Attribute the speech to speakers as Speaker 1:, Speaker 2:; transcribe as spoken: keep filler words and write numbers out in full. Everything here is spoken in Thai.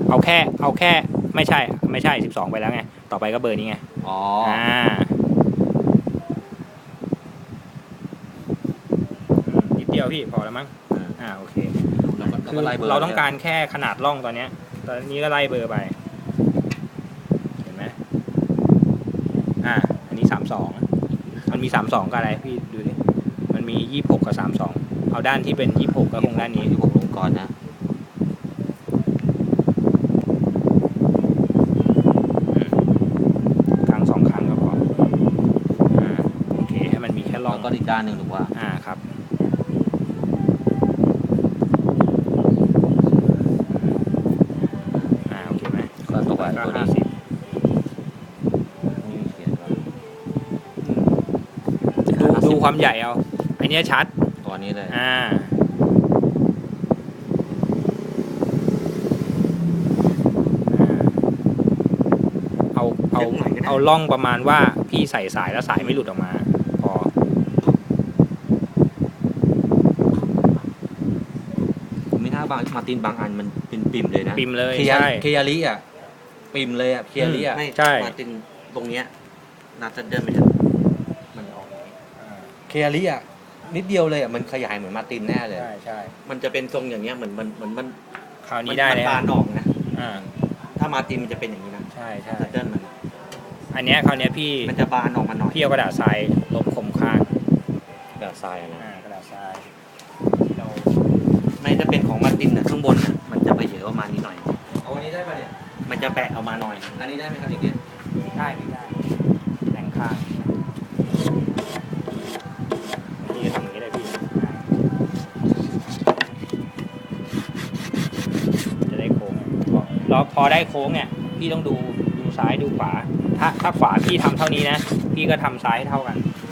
Speaker 1: เอาแค่เอาแค่ไม่ใช่ไม่ใช่สิบสองไปแล้วไงต่อไปก็เบอร์นี้ไง
Speaker 2: อ๋อ
Speaker 1: อ่านิดเดียวพี่พอแล้วมั้งอ่าโอเคคือเราต้องการแค่ขนาดร่องตอนเนี้ยตอนนี้ก็ไล่เบอร์ไปเห็นไหมอ่าอันนี้สามสองมันมีสามสองกับอะไรพี่ดูดิมันมียี่สิบหกกับสามสองเอาด้านที่เป็นยี่สิบหกก็คงด้านนี้
Speaker 2: ยี่สิบหกลงก่อนนะ
Speaker 1: ครั้งสองครั้งก็พออ่าโอเคให้มันมีแค่ร่อง
Speaker 2: ก็อีกด้านหนึ่งถูกป่ะ
Speaker 1: อ่าครับอ่าโอเคไหม
Speaker 2: ก็ตกไปตัวนี้สิ
Speaker 1: ดูดูความใหญ่เอาไอเนี้ยชัด
Speaker 2: ตัวนี้เลย
Speaker 1: อ่าเอาเอาเอาล่องประมาณว่าพี่ใส่สายแล้วสายไม่หลุดออกมาพอ
Speaker 2: ผมไม่น่าบางมาตินบางอันมันเป็นปิ่มเลยนะ
Speaker 1: ปิ่มเลย
Speaker 2: ใช่เค
Speaker 1: ย
Speaker 2: ยาริอ่ะปิ่มเลยอ่ะเคยาริอ่ะ
Speaker 1: ใช่
Speaker 2: มาตินตรงเนี้ยน่าจะเดินไปถึงมันออกเคยาริอ่ะนิดเดียวเลยอ่ะมันขยายเหมือนมาตินแน่เลย
Speaker 1: ใช่ใช่
Speaker 2: มันจะเป็นทรงอย่างเงี้ยเหมือนมันเหมือนมัน
Speaker 1: คราวนี้ได้เลย
Speaker 2: บานออกนะ
Speaker 1: อ่า
Speaker 2: ถ้ามาตินมันจะเป็นอย่างนี้นะ
Speaker 1: ใช่ใช่
Speaker 2: เดินมัน
Speaker 1: อันเนี้ยคราวเนี้ยพี่
Speaker 2: มันจะบานออกมาหน่อย
Speaker 1: พี่เอากระดาษทรายลบคมข้าง
Speaker 2: กระดาษทรายนะ
Speaker 1: อ่ากระดาษทราย
Speaker 2: ที่เราไม่จะเป็นของมาตินนะข้างบนนะมันจะไปเยอะประมาณนี้หน่อยเอาอันนี้ได้ป่ะเนี่ยมันจะแปะออกมาหน่อยอันนี้ได้ไหมครับอีกเนี่ย
Speaker 1: ได้ไม่ได้แหล่งข้างพี่ทำอย่างนี้เลยพี่จะได้โค้งแล้วพอได้โค้งเนี่ยพี่ต้องดูดูซ้ายดูขวาถ้าถ้าขวาพี่ทำเท่านี้นะพี่ก็ทำซ้ายให้เท่ากัน